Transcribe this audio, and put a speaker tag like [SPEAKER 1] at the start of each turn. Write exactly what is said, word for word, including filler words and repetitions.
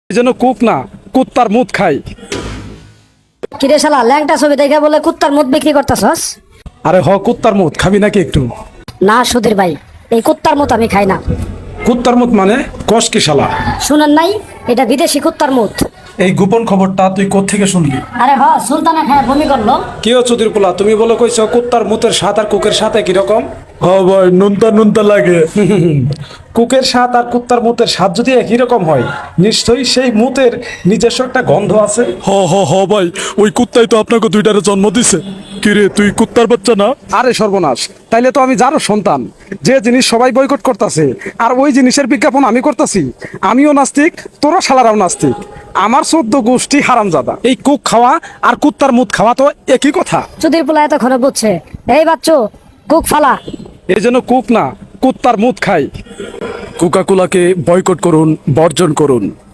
[SPEAKER 1] এই জন্য কুক না কুত্তার মুত খাই।
[SPEAKER 2] কিরে শালা ল্যাংটা ছবি দেখে বলে কুত্তার মুত বিক্রি করতেছস?
[SPEAKER 1] আরে হ কুত্তার মুত খাবি নাকি একটু?
[SPEAKER 2] না সুধীর ভাই, এই কুত্তার মুত আমি খাই না।
[SPEAKER 1] কুত্তার মুত মানে কস কি শালা?
[SPEAKER 2] শুনেন নাই, এটা বিদেশি কুত্তার মুত।
[SPEAKER 1] এই গোপন খবরটা তুই কোত্থেকে শুনলি?
[SPEAKER 2] আরে হ, সুলতানা খায় বমি করলো।
[SPEAKER 1] কি হচ্ছে চুদির পোলা, তুমি বলো কইছো কুত্তার মুতের স্বাদ আর কুকের সাথে কি রকম?
[SPEAKER 3] হ্যাঁ ভাই, নুনতা নুনতা লাগে।
[SPEAKER 1] কুকের স্বাদ আর কুত্তার মুতের স্বাদ যদি একই রকম হয়, নিশ্চয়ই সেই মুতের নিজস্ব একটা গন্ধ আছে।
[SPEAKER 3] হ হ হ ভাই, ওই কুত্তাই তো আপনাকে দুইটারে জন্ম দিছে। কিরে তুই কুত্তার বাচ্চা না?
[SPEAKER 1] আরে সর্বনাশ, তাইলে তো আমি যারও সন্তান। যে জিনিস সবাই বয়কট করতেছে আর ওই জিনিসের বিজ্ঞাপন আমি করতেছি। আমিও নাস্তিক, তোরা শালারাও নাস্তিক। আমার চোদ্দ গোষ্ঠী হারামজাদা। এই কুক খাওয়া আর কুত্তার মুত খাওয়া তো একই কথা।
[SPEAKER 2] সুধীর পোলা এতক্ষণে বুঝছে। এই বাচ্চু, কুক ফালা।
[SPEAKER 1] এই জন্য কুক না কুত্তার মুত খাই।
[SPEAKER 3] কোকা কোলাকে বয়কট করুন, বর্জন করুন।